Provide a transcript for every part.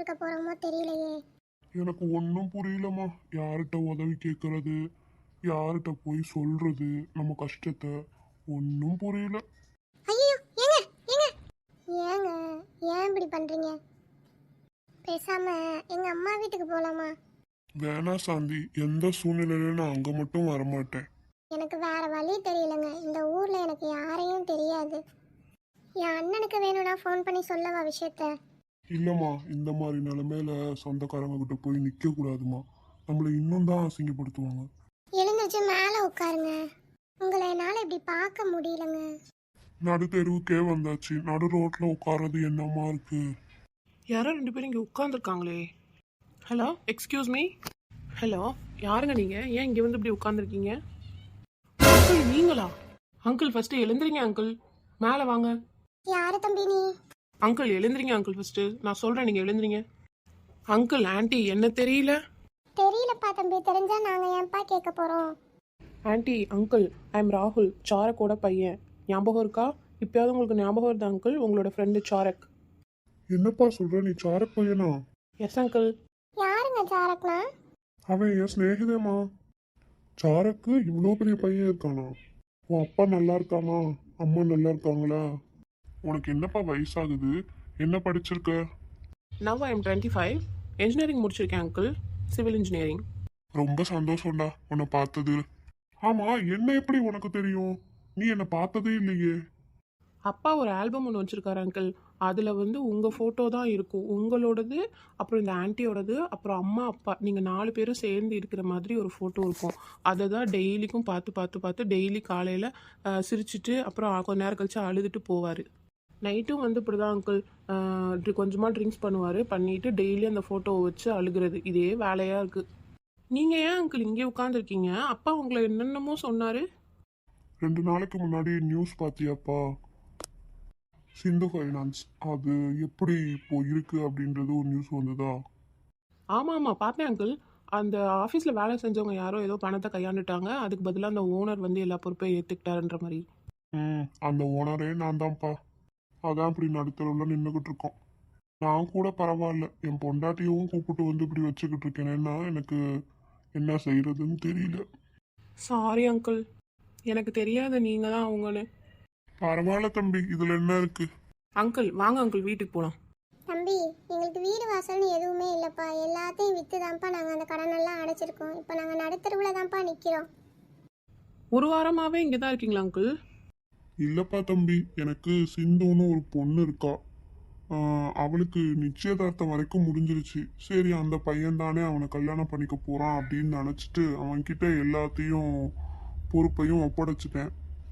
இருக்க போறோமோ தெரியலையே. எனக்கு ஒன்றும் புரியலம்மா. யார்கிட்ட உதவி கேட்கறது, யார்கிட்ட போய் சொல்றது நம்ம கஷ்டத்தை, ஒன்றும் புரியல. ஐயோ, ஏங்க ஏங்க ஏங்க ஏன் இப்படி பண்றீங்க? பேசாம எங்க அம்மா வீட்டுக்கு போலாமா? வேணா சாந்தி, எந்த சூழ்நிலையிலும் நான் அங்கே மட்டும் வரமாட்டேன். எனக்கு வேற வழி தெரியலங்க. இந்த ஊர்ல எனக்கு யாரையும் தெரியாது. என் அண்ணனுக்கு வேணும்னா ஃபோன் பண்ணி சொல்லவா விஷயத்த? இல்லைம்மா, இந்த மாதிரி நிலைமையில சொந்தக்காரங்க கிட்ட போய் நிற்க கூடாதுமா. நம்மளை இன்னும் தான் அசிங்கப்படுத்துவாங்க. எழுந்திருச்சு மேல உட்காருங்க. உங்களை என்னால இப்படி பார்க்க முடியலங்க. நடு தெருவுக்கே வந்தாச்சு, நடு ரோட்ல உட்கார்றது என்னமா இருக்கு? யாரோ 2 பேரும் இங்கே உட்காந்துருக்காங்களே. Hello, excuse me. ஹலோ, யாருங்க நீங்கள்? ஏன் இங்கே வந்து இப்படி உட்காந்துருக்கீங்க? அங்கிள் நீங்களா? அங்கிள் ஃபஸ்ட்டு எழுந்துறீங்க அங்கிள். மேலே வாங்க. யாரு தம்பி நீ? அங்கிள் எழுந்துறீங்க அங்கிள் ஃபஸ்ட்டு. நான் சொல்கிறேன், நீங்கள் எழுந்துறீங்க. அங்கிள் ஆண்டி என்ன தெரியல? தெரியலப்பா தம்பி. தெரிஞ்சா நாங்க ஏன்பா கேட்க போறோம்? ஆண்டி அங்கிள், ஐ எம் ராகுல், சாரக்கோட பையன். ஞாபகம் இருக்கா? இப்போயாவது உங்களுக்கு ஞாபகம் வருது அங்கிள்? உங்களோட ஃப்ரெண்டு சாரக். என்னப்பா சொல்ற, நீ சாரக் பையனா? Yes uncle. யாருங்க சாரக்னா? அவன் என் சிநேகிதேம்மா. சாரக்கு இவ்வளோ பெரிய பையன் இருக்கானா? உன் அப்பா நல்லா இருக்கானா? அம்மா நல்லா இருக்காங்களா? உனக்கு என்னப்பா வயசாகுது? என்ன படிச்சிருக்க? Now I am 25. இன்ஜினியரிங் முடிச்சிருக்கேன் அங்கிள், சிவில் இன்ஜினியரிங். ரொம்ப சந்தோஷம்டா உன்னை பார்த்தது. ஆமா, என்ன எப்படி உனக்கு தெரியும்? நீ என்னை பார்த்ததே இல்லையே. அப்பா ஒரு ஆல்பம் ஒன்று வச்சுருக்காரு அங்கிள். அதில் வந்து உங்கள் ஃபோட்டோ தான் இருக்கும், உங்களோடது, அப்புறம் இந்த ஆன்ட்டியோடது, அப்புறம் அம்மா அப்பா நீங்கள் 4 பேரும் சேர்ந்து இருக்கிற மாதிரி ஒரு ஃபோட்டோ இருக்கும். அதை தான் டெய்லிக்கும் பார்த்து பார்த்து பார்த்து டெய்லி காலையில் சிரிச்சிட்டு அப்புறம் கொஞ்ச நேரம் கழிச்சு அழுதுட்டு போவார். நைட்டும் வந்து இப்படி தான் அங்கிள், கொஞ்சமாக ட்ரிங்க்ஸ் பண்ணுவார். பண்ணிவிட்டு டெய்லி அந்த ஃபோட்டோவை வச்சு அழுகிறது. இதே வேலையாக இருக்குது. நீங்கள் ஏன் அங்கிள் இங்கே உட்காந்துருக்கீங்க? அப்பா உங்களை என்னென்னமோ சொன்னார். 2 நாளைக்கு முன்னாடி நியூஸ் பார்த்தியாப்பா? சிந்து ஃபைனான்ஸ் அது எப்படி இப்போ இருக்கு அப்படின்றது ஒரு நியூஸ் வந்ததா? ஆமாம் ஆமாம், பார்த்தேன் அங்கிள். அந்த ஆஃபீஸில் வேலை செஞ்சவங்க யாரோ ஏதோ பணத்தை கையாண்டுட்டாங்க. அதுக்கு பதிலாக அந்த ஓனர் வந்து எல்லா பொறுப்பையும் ஏற்றுக்கிட்டாருன்ற மாதிரி. அந்த ஓனரே நான் தான்ப்பா. அதான் இப்படி நடுத்தரவில் நின்றுக்கிட்டு இருக்கோம். நான் கூட பரவாயில்ல, என் பொண்டாட்டியும் கூப்பிட்டு வந்து இப்படி வச்சுக்கிட்டு இருக்கேன்னா எனக்கு என்ன செய்யறதுன்னு தெரியல. சாரி அங்கிள், எனக்கு தெரியாது நீங்கள் தான் அவங்கன்னு. பரவாயில்ல தம்பி, இதுல என்ன இருக்கு? அங்கிள் வாங்க அங்கிள், வீட்டுக்கு போகலாம். தம்பி, எங்களுக்கு வீடு வாசல்னு எதுவுமே இல்லைப்பா. எல்லாத்தையும் விற்று தான்ப்பா நாங்கள் அந்த கடனெல்லாம் அடைச்சிருக்கோம். இப்போ நாங்கள் நடுத்தருவில் தான்ப்பா நிற்கிறோம். ஒரு வாரமாகவே இங்கே தான் இருக்கீங்களா அங்கிள்? இல்லப்பா தம்பி, எனக்கு சிந்துன்னு ஒரு பொண்ணு இருக்கா. அவளுக்கு நிச்சயதார்த்தம் வரைக்கும் முடிஞ்சிருச்சு. சரி, அந்த பையன் தானே அவனை கல்யாணம் பண்ணிக்க போறான் அப்படின்னு நினச்சிட்டு அவன்கிட்ட எல்லாத்தையும் பொறுப்பையும் ஒப்படைச்சிட்டேன்.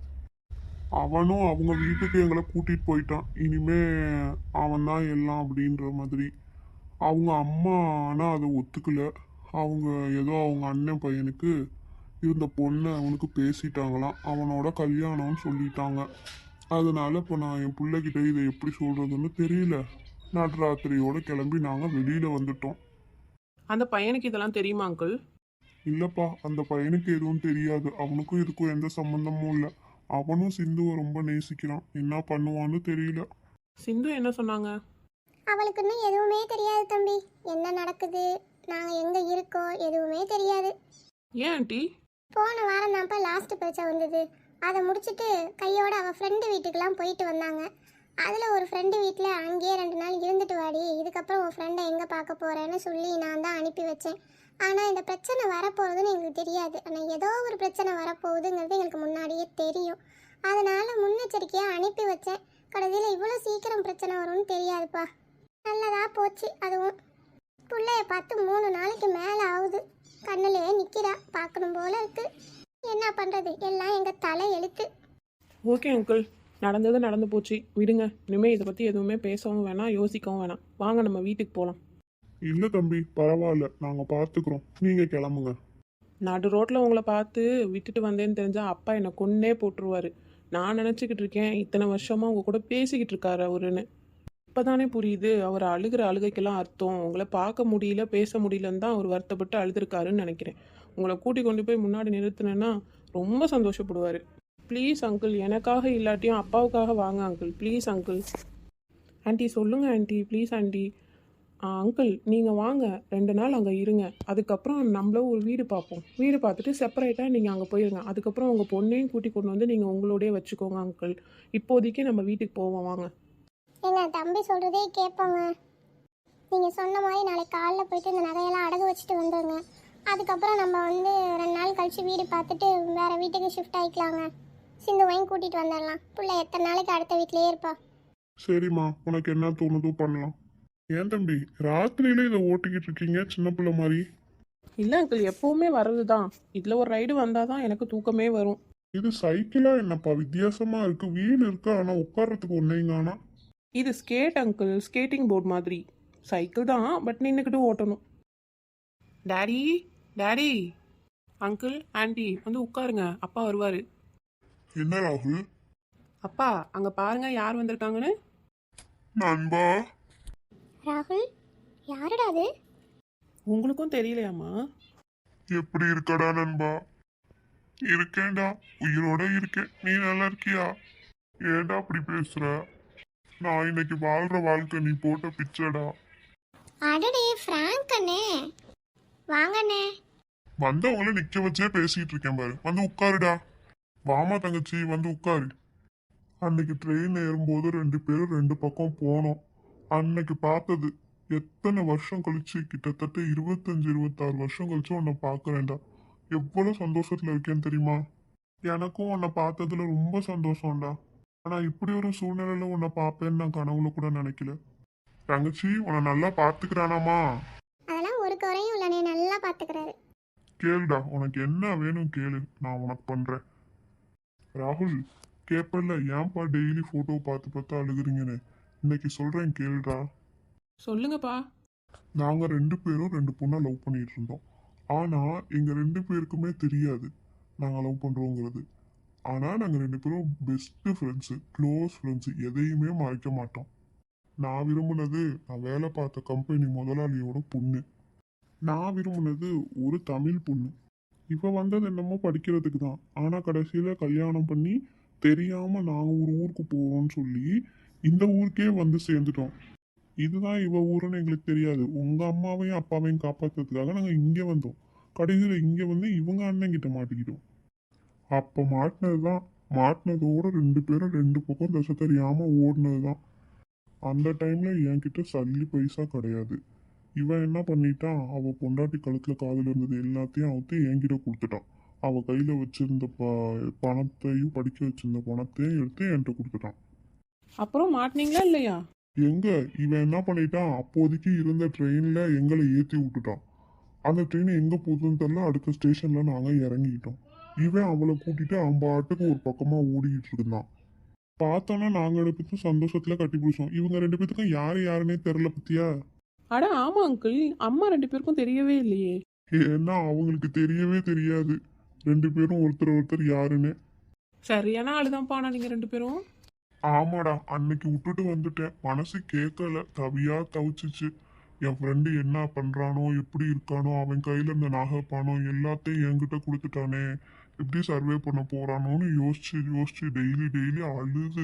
அவனும் அவங்க வீட்டுக்கு எங்களை கூட்டிட்டு போயிட்டான். இனிமே அவன் தான் எல்லாம் அப்படின்ற மாதிரி. அவங்க அம்மா ஆனால் அதை ஒத்துக்கல. அவங்க ஏதோ அவங்க அண்ணன் பையனுக்கு இருந்த பொண்ணை அவனுக்கு பேசிட்டாங்களாம், அவனோட கல்யாணம்னு சொல்லிட்டாங்க. அதனால இப்போ நான் என் பிள்ளைகிட்ட இதை எப்படி சொல்றதுன்னு தெரியல. நடுராத்திரியோட கிளம்பி நாங்கள் வெளியில வந்துட்டோம். அந்த பையனுக்கு இதெல்லாம் தெரியுமா அங்கிள்? இல்லப்பா, அந்த பையனுக்கு எதுவும் தெரியாது. அவனுக்கும் இதுக்கும் எந்த சம்பந்தமும் இல்லை. அவனும் சிந்துவை ரொம்ப நேசிக்கிறான். என்ன பண்ணுவான்னு தெரியல. சிந்து என்ன சொன்னாங்க? அவளுக்கு இன்னும் எதுவுமே தெரியாது தம்பி. என்ன நடக்குது, நாங்கள் எங்கே இருக்கோம் எதுவுமே தெரியாது. ஏன் ஆண்டி? போன வாரம் தான்ப்பா லாஸ்ட் பரீட்சை வந்தது. அதை முடிச்சுட்டு கையோட அவள் ஃப்ரெண்டு வீட்டுக்கெலாம் போயிட்டு வந்தாங்க. அதில் ஒரு ஃப்ரெண்டு வீட்டில் அங்கேயே 2 நாள் இருந்துட்டு வாடி, இதுக்கப்புறம் உன் ஃப்ரெண்டை எங்கே பார்க்க போகிறேன்னு சொல்லி நான் தான் அனுப்பி வச்சேன். ஆனால் இந்த பிரச்சனை வரப்போகுதுன்னு எங்களுக்கு தெரியாது. ஆனால் ஏதோ ஒரு பிரச்சனை வரப்போகுதுங்கிறது எங்களுக்கு முன்னாடியே தெரியும். அதனால் முன்னெச்சரிக்கையாக அனுப்பி வச்சேன். கடைசியில் இவ்வளோ சீக்கிரம் பிரச்சனை வரும்னு தெரியாதுப்பா. நல்லதாக போச்சு. அதுவும் பிள்ளைய பார்த்து 3 நாளைக்கு மேலே ஆகுது. கண்ணிலே நிற்கிறா, பார்க்கணும் போல இருக்கு. என்ன பண்ணுறது, எல்லாம் எங்கள் தலை எழுத்து. ஓகே அங்கிள், நடந்தது நடந்து போச்சு, விடுங்க. இனிமேல் இதை பற்றி எதுவுமே பேசவும் வேணாம், யோசிக்கவும் வேணாம். வாங்க நம்ம வீட்டுக்கு போகலாம். இல்லை தம்பி, பரவாயில்ல, நாங்கள் பார்த்துக்குறோம். நீங்கள் கிளம்புங்க. நடு ரோட்டில் உங்களை பார்த்து விட்டுட்டு வந்தேன்னு தெரிஞ்சால் அப்பா என்னை கொன்னே போட்டுருவார். நான் நினச்சிக்கிட்டு இருக்கேன் இத்தனை வருஷமாக உங்கள் கூட பேசிக்கிட்டு இருக்காரு அவருன்னு. இப்போ தானே புரியுது அவர் அழுகிற அழுகைக்கெல்லாம் அர்த்தம். உங்களை பார்க்க முடியல, பேச முடியலன்னு தான் அவர் வருத்தப்பட்டு அழுதுருக்காருன்னு நினைக்கிறேன். உங்களை கூட்டி கொண்டு போய் முன்னாடி நிறுத்தினேன்னா ரொம்ப சந்தோஷப்படுவார். ப்ளீஸ் அங்கிள், எனக்காக இல்லாட்டியும் அப்பாவுக்காக வாங்க அங்கிள், ப்ளீஸ் அங்கிள். ஆண்டி சொல்லுங்கள் ஆண்டி, ப்ளீஸ் ஆண்டி. அங்கிள் நீங்கள் வாங்க 2 நாள் அங்கே இருங்க. அதுக்கப்புறம் நம்மளும் ஒரு வீடு பார்ப்போம். வீடு பார்த்துட்டு செப்பரேட்டாக நீங்கள் அங்கே போயிருங்க. அதுக்கப்புறம் உங்கள் பொண்ணையும் கூட்டி கொண்டு வந்து நீங்கள் உங்களோடயே வச்சுக்கோங்க அங்கிள். இப்போதைக்கு நம்ம வீட்டுக்கு போவோம் வாங்க. ஏங்க தம்பி சொல்கிறதே கேட்போங்க. நீங்கள் சொன்ன மாதிரி நாளைக்கு காலைல போயிட்டு இந்த நகையெல்லாம் அடகு வச்சுட்டு வந்துடுங்க. அதுக்கப்புறம் நம்ம வந்து 2 நாள் கழித்து வீடு பார்த்துட்டு வேறு வீட்டுக்கு ஷிஃப்ட் ஆகிக்கலாங்க. சிந்துவையும் கூட்டிகிட்டு வந்துடலாம். பிள்ளை எத்தனை நாளைக்கு அடுத்த வீட்டிலேயே இருப்பா. சரிம்மா, உனக்கு என்ன தோணுதோ பண்ணலாம். ஏன் தம்பி ராத்திரியில இதை ஓட்டிக்கிட்டு இருக்கீங்க சின்ன பிள்ளை மாதிரி? இல்லை அங்கிள், எப்போவுமே வர்றது தான். இதில் ஒரு ரைடு வந்தால் தான் எனக்கு தூக்கமே வரும். இது சைக்கிளா என்னப்பா வித்தியாசமா இருக்கு? வீடு இருக்கு ஆனா உட்கார்றதுக்கு ஒன்னைங்கானா. இது ஸ்கேட் அங்கிள், ஸ்கேட்டிங் போர்டு மாதிரி. சைக்கிள் தான், பட் நின்றுக்கிட்டு ஓட்டணும். டாடி, டாடி, அங்கிள், ஆண்டி வந்து உட்காருங்க, அப்பா வருவார். என்ன ராகுல்? அப்பா அங்கே பாருங்க யார் வந்திருக்காங்கன்னு. நண்பா. ராகுல், யாருடா அது? உங்களுக்கும் தெரியலையாம்மா? எப்படி இருக்கடா நண்பா? இருக்கேன்டா, உயிரோட இருக்கேன். நீ நல்லா இருக்கியா? ஏன்டா அப்படி பேசுற? நான் இன்னைக்கு வாழ்ற வாழ்க்கை நீ போட்ட பிச்சைடா. அடடே ஃப்ராங்க் அண்ணே, வாங்கண்ணே. வந்தவங்கள நிக்க வச்சே பேசிட்டு இருக்கேன் பாரு. வந்து உட்காருடா. வாமா தங்கச்சி, வந்து உட்காரு. அன்னைக்கு ட்ரெயின் ஏறும்போது 2 பேரும் 2 பக்கம் போனோம். அன்னைக்கு பார்த்தது எத்தனை வருஷம் கழிச்சு, கிட்டத்தட்ட 25-26 வருஷம் கழிச்சு உன்னை பார்க்கறேன்டா. எவ்வளவு சந்தோஷத்துல இருக்கேன்னு தெரியுமா? எனக்கும் உன்னை பார்த்ததுல ரொம்ப சந்தோஷம்டா. ஆனா இப்படி ஒரு சூழ்நிலையில உன்னை பார்ப்பேன்னு நான் கனவுல கூட நினைக்கல. தங்கச்சி உன்னை நல்லா பார்த்துக்கிறானாமா? அதெல்லாம் ஒரு குறையும் இல்லைண்ணே, நல்லா பார்த்துக்கிறாரு. கேளுடா, உனக்கு என்ன வேணும் கேளு, நான் உனக்கு பண்றேன். ராகுல், கேப்பல்ல ஏன்பா டெய்லி போட்டோ பார்த்து பார்த்து அழுகுறீங்கன்னு? இன்னைக்கு சொல்றேன் கேளுடா. சொல்லுங்கப்பா. நாங்க 2 பேரும் 2 பொண்ணை லவ் பண்ணிட்டு இருந்தோம். ஆனா எங்க 2 பேருக்குமே தெரியாது நாங்க லவ் பண்றோங்கிறது. ஆனா நாங்க 2 பேரும் பெஸ்ட் ஃப்ரெண்ட்ஸ், க்ளோஸ் ஃப்ரெண்ட்ஸ், எதையுமே மறைக்க மாட்டோம். நான் விரும்பினது நான் வேலை பார்த்த கம்பெனி முதலாளியோட பொண்ணு. நான் விரும்பினது ஒரு தமிழ் பொண்ணு. இவ வந்தது என்னமோ படிக்கிறதுக்கு தான். ஆனா கடைசியில கல்யாணம் பண்ணி தெரியாம நாங்க ஒரு ஊருக்கு போறோம்னு சொல்லி இந்த ஊருக்கே வந்து சேர்ந்துட்டோம். இதுதான் இவ ஊருன்னு எங்களுக்கு தெரியாது. உங்க அம்மாவையும் அப்பாவையும் காப்பாத்துறதுக்காக நாங்க இங்க வந்தோம். கடைசியில இங்க வந்து இவங்க அண்ணன் கிட்ட மாட்டிக்கிட்டோம். அப்ப மாட்டினதுதான். மாட்டினதோட 2 பேரும் 2 பக்கம் தசை தெரியாம ஓடினதுதான். அந்த டைம்ல என்கிட்ட சல்லி பைசா கிடையாது. இவன் என்ன பண்ணிட்டான், அவ பொண்டாட்டி கழுத்துல காதுல இருந்தது எல்லாத்தையும் அவுத்து என்கிட்ட கொடுத்துட்டான். அவ கையில வச்சிருந்த பணத்தையும் படிக்க வச்சிருந்த பணத்தையும் எடுத்து என்கிட்ட கொடுத்துட்டான். அப்புறம் மாட்டினீங்களா இல்லையா? எங்க இவன் என்ன பண்ணிட்டான், அப்போதைக்கு இருந்த ட்ரெயின்ல எங்களை ஏத்தி விட்டுட்டான். அந்த ட்ரெயின் எங்க போகுதுன்னு தெரியல. அடுத்த ஸ்டேஷன்ல நாங்க இறங்கிட்டோம். இவன் அவளை கூட்டிட்டு அவன் பாட்டுக்கு ஒரு பக்கமா ஓடிக்கிட்டு இருந்தான். பார்த்தோன்னா நாங்க 2 பேரும் சந்தோஷத்துல கட்டி பிடிச்சோம். இவங்க 2 பேத்துக்கும் யாரு யாருன்னே தெரியல பத்தியா. அட ஆமா அங்கிள், அம்மா 2 பேருக்கும் தெரியவே இல்லையே. ஏன்னா அவங்களுக்கு தெரியவே தெரியாது 2 பேரும் ஒருத்தர் ஒருத்தர் யாருன்னு. சரியான ஆளுதான்ப்பா ஆனா நீங்க 2 பேரும். ஆமாடா, அன்னைக்கு விட்டுட்டு வந்துட்டேன். மனசு கேட்கல, தவியா தவிச்சிச்சு. என் ஃப்ரெண்டு என்ன பண்றானோ, எப்படி இருக்கானோ, அவன் கையில இருந்த நகை பணம் எல்லாத்தையும் என்கிட்ட கொடுத்துட்டானே, எப்படி சர்வே பண்ண போறானோன்னு யோசிச்சு யோசிச்சு டெய்லி டெய்லி அழுது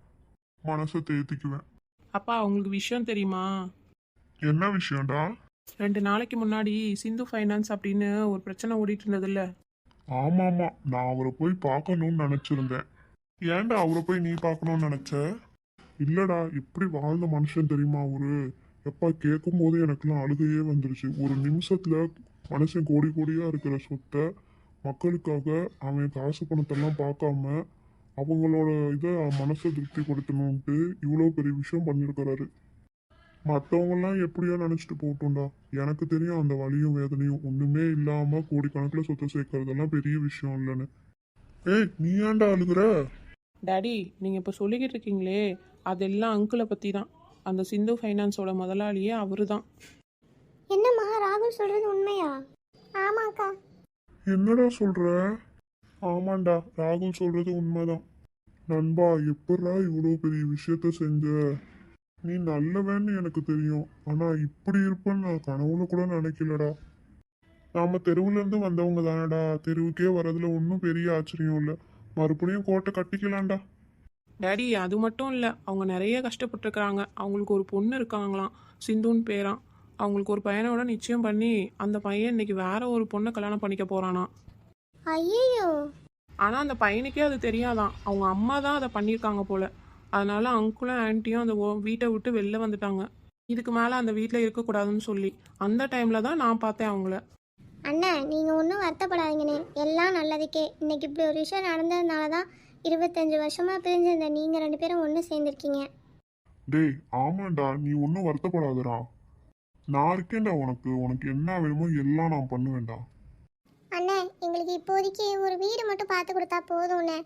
மனசை தேத்திக்குவேன். அப்பா உங்களுக்கு விஷயம் தெரியுமா? என்ன விஷயம்டா? 2 நாளைக்கு முன்னாடி சிந்து ஃபைனான்ஸ் அப்படின்னு ஒரு பிரச்சனை ஓடிட்டு இருந்ததுல்ல. ஆமாமா, நான் அவரை போய் பார்க்கணும்னு நினைச்சிருந்தேன். ஏன்டா அவரை போய் நீ பார்க்கணும்னு நினைச்ச? இல்லடா, எப்படி வாழ்ந்த மனுஷன் தெரியுமா அவரு? எப்பா கேட்கும் போது எனக்குலாம் அழுகையே வந்துருச்சு. ஒரு நிமிஷத்துல மனுஷன் கோடி கோடியா இருக்கிற சொத்தை மக்களுக்காக அவன் காசு பணத்தெல்லாம் பார்க்காம அவங்களோட இதை மனசை திருப்திப்படுத்தணும்ட்டு இவ்வளோ பெரிய விஷயம் பண்ணியிருக்கிறாரு. மற்றவங்கெல்லாம் எப்படியோ நினச்சிட்டு போகட்டும்டா. எனக்கு தெரியும் அந்த வலியும் வேதனையும். ஒன்றுமே இல்லாமல் கோடிக்கணக்கில் சொத்தை சேர்க்கறதெல்லாம் பெரிய விஷயம் இல்லைன்னு. ஏய், நீ ஏன்டா அழுகுற? டாடி நீங்கள் இப்போ சொல்லிக்கிட்டு இருக்கீங்களே, அதெல்லாம் அங்கிளை பற்றி தான். அந்த சிந்து ஃபைனான்ஸோட முதலாளியே அவரு தான். என்னம்மா ராகுல் சொல்கிறது உண்மையா? ஆமாக்கா. என்னடா சொல்ற? ஆமாண்டா, ராகுல் சொல்றது உண்மைதான். நண்பா, எப்படா இவ்வளோ பெரிய விஷயத்த செஞ்ச? நீ நல்லவன்னு எனக்கு தெரியும். ஆனா இப்படி இருப்பேன்னு நான் கனவுல கூட நினைக்கலடா. நாம தெருவுல இருந்து வந்தவங்க தானடா. தெருவுக்கே வரதுல ஒன்றும் பெரிய ஆச்சரியம் இல்லை. மறுபடியும் கோட்டை கட்டிக்கலாம்டா. டேடி அது மட்டும் இல்லை, அவங்க நிறைய கஷ்டப்பட்டுருக்குறாங்க. அவங்களுக்கு ஒரு பொண்ணு இருக்காங்களாம், சிந்துன்னு பேராம். அவங்களுக்கு ஒரு பையனோட நிச்சயம் பண்ணி அந்த பையன் இன்னைக்கு வேற ஒரு பொண்ணை கல்யாணம் பண்ணிக்க போறானா. ஐயோ. ஆனால் அந்த பையனுக்கே அது தெரியாதான், அவங்க அம்மா தான் அதை பண்ணியிருக்காங்க போல. அதனால அங்குளும் ஆன்ட்டியும் அந்த வீட்டை விட்டு வெளில வந்துட்டாங்க. இதுக்கு மேலே அந்த வீட்டில் இருக்கக்கூடாதுன்னு சொல்லி அந்த டைமில் தான் நான் பார்த்தேன் அவங்கள. அண்ணா நீங்கள் ஒன்றும் வருத்தப்படாதீங்கண்ணே, எல்லாம் நல்லதுக்கே. இன்னைக்கு இப்படி ஒரு விஷயம் நடந்ததுனால தான் 25 வருஷமாக பிரிஞ்சிருந்த நீங்கள் 2 பேரும் ஒன்று சேர்ந்துருக்கீங்க. டேய் ஆமாண்டா, நீ ஒன்றும் வருத்தப்படாதடா. நான் இருக்கேன்டா உனக்கு. உனக்கு என்ன வேணுமோ எல்லாம் நான் பண்ணுவேன்டா. அண்ணே எங்களுக்கு இப்போதைக்கு ஒரு வீடு மட்டும் பார்த்து கொடுத்தா போதும்ண்ணே.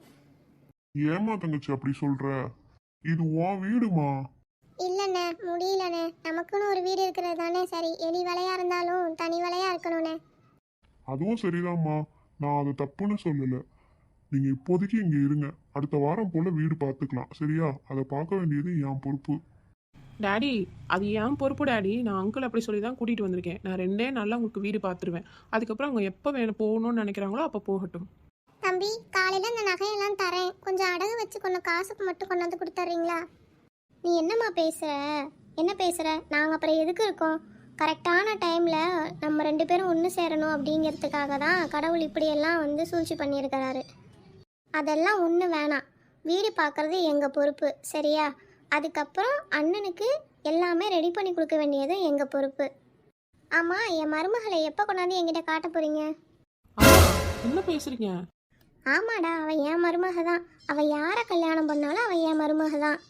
ஏமா தங்கச்சி அப்படி சொல்ற? இது உன் வீடுமா. இல்லைண்ணே முடியலண்ணே, நமக்குன்னு ஒரு வீடு இருக்கிறது தானே சரி. எலி வலையாக இருந்தாலும் தனி வலையாக இருக்கணுண்ணே. அதுவும் சரிதாம்மா, நான் அது தப்புன்னு சொல்லல. நீங்க இப்போதைக்கு இங்க இருங்க, அடுத்த வாரம் போல வீடு பார்த்துக்கலாம் சரியா? அதை பார்க்க வேண்டியது என் பொறுப்பு. டேடி அது ஏன் பொறுப்பு டேடி. நான் அங்கிள் அப்படி சொல்லி தான் கூட்டிகிட்டு வந்திருக்கேன். நான் 2 நாளில் உங்களுக்கு வீடு பார்த்துருவேன். அதுக்கப்புறம் அவங்க எப்போ போகணும்னு நினைக்கிறாங்களோ அப்போ போகட்டும். தம்பி காலையில் இந்த நகையெல்லாம் தரேன், கொஞ்சம் அடகு வச்சு கொஞ்சம் காசுக்கு மட்டும் கொண்டாந்து கொடுத்துட்றீங்களா? நீ என்னம்மா பேசுகிற? என்ன பேசுகிற? நாங்கள் அப்புறம் எதுக்கு இருக்கோம்? கரெக்டான டைமில் நம்ம 2 பேரும் ஒன்று சேரணும் அப்படிங்கிறதுக்காக தான் கடவுள் இப்படியெல்லாம் வந்து சூழ்ச்சி பண்ணியிருக்கிறாரு. அதெல்லாம் ஒன்று வேணாம். வீடு பார்க்குறது எங்கள் பொறுப்பு சரியா? அதுக்கப்புறம் அண்ணனுக்கு எல்லாமே ரெடி பண்ணி கொடுக்க வேண்டியது எங்கள் பொறுப்பு. ஆமாம், என் மருமகளை எப்போ கொண்டாந்து என்கிட்ட காட்ட போகிறீங்க? அம்மா என்ன பேசுறீங்க? ஆமாடா, அவள் என் மருமக தான். அவள் யாரை கல்யாணம் பண்ணாலும் அவள் என் மருமக தான்.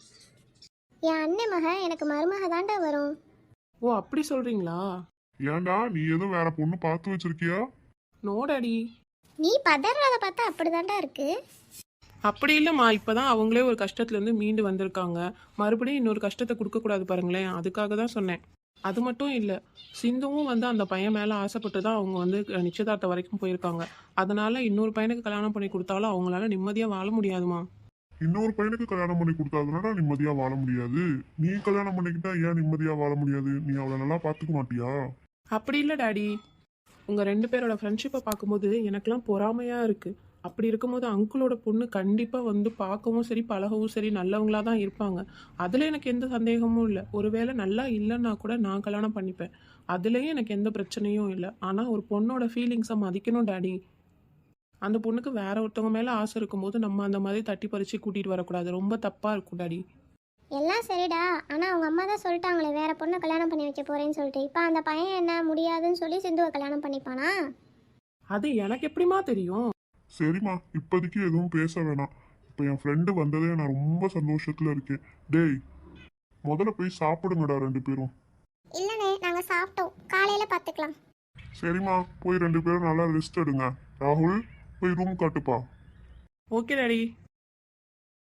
என் அண்ணன் மக எனக்கு மருமக தாண்டா வரும். ஓ அப்படி சொல்கிறீங்களா? ஏன்டா, நீ எதுவும் வேற பொண்ணு பார்த்து வச்சிருக்கியா? No daddy. நீ பதறத பார்த்தா அப்படிதான்டா இருக்கு. அப்படி இல்லைம்மா, இப்போ தான் அவங்களே ஒரு கஷ்டத்துலேருந்து மீண்டு வந்திருக்காங்க. மறுபடியும் இன்னொரு கஷ்டத்தை கொடுக்கக்கூடாது பாருங்களேன், அதுக்காக தான் சொன்னேன். அது மட்டும் இல்லை, சிந்துவும் வந்து அந்த பையன் மேலே ஆசைப்பட்டு தான் அவங்க வந்து நிச்சயதார்த்தம் வரைக்கும் போயிருக்காங்க. அதனால இன்னொரு பையனுக்கு கல்யாணம் பண்ணி கொடுத்தாலும் அவங்களால நிம்மதியாக வாழ முடியாதுமா. இன்னொரு பையனுக்கு கல்யாணம் பண்ணி கொடுத்தாதுனாடா நிம்மதியா வாழ முடியாது. நீ கல்யாணம் பண்ணிக்கிட்டா ஏன் நிம்மதியா வாழ முடியாது? நீ அவளை நல்லா பார்த்துக்க மாட்டியா? அப்படி இல்லை டாடி, உங்கள் 2 பேரோட ஃப்ரெண்ட்ஷிப்பை பார்க்கும்போது எனக்கெல்லாம் பொறாமையாக இருக்குது. அப்படி இருக்கும்போது அங்கிளோட பொண்ணு கண்டிப்பாக வந்து பார்க்கவும் சரி பழகவும் சரி நல்லவங்களாக தான் இருப்பாங்க. அதில் எனக்கு எந்த சந்தேகமும் இல்லை. ஒருவேளை நல்லா இல்லைன்னா கூட நான் கல்யாணம் பண்ணிப்பேன், அதுலேயும் எனக்கு எந்த பிரச்சனையும் இல்லை. ஆனால் ஒரு பொண்ணோட ஃபீலிங்ஸை மதிக்கணும் டாடி. அந்த பொண்ணுக்கு வேற ஒருத்தவங்க மேலே ஆசை இருக்கும்போது நம்ம அந்த மாதிரி தட்டி பறித்து கூட்டிகிட்டு வரக்கூடாது, ரொம்ப தப்பாக இருக்கும் டாடி. எல்லாம் சரிடா, ஆனால் அவங்க அம்மா தான் சொல்லிட்டாங்களே வேற பொண்ணை கல்யாணம் பண்ணி வைக்க போறேன்னு சொல்லிட்டு. இப்போ அந்த பையன் என்ன முடியாதுன்னு சொல்லி சிந்துவை கல்யாணம் பண்ணிப்பானா? அது எனக்கு எப்படிமா தெரியும்? சரிம்மா, இப்போதைக்கு எதுவும் பேச வேணாம். இப்போ என் ஃப்ரெண்டு வந்ததே நான் ரொம்ப சந்தோஷத்துல இருக்கேன். டேய் முதல்ல போய் சாப்பிடுங்கடா 2 பேரும். இல்லைண்ணே நாங்கள் சாப்பிட்டோம், காலையில் பார்த்துக்கலாம். சரிம்மா, போய் 2 பேரும் நல்லா ரெஸ்ட் எடுங்க. ராகுல், போய் ரூம் காட்டுப்பா. Okay daddy.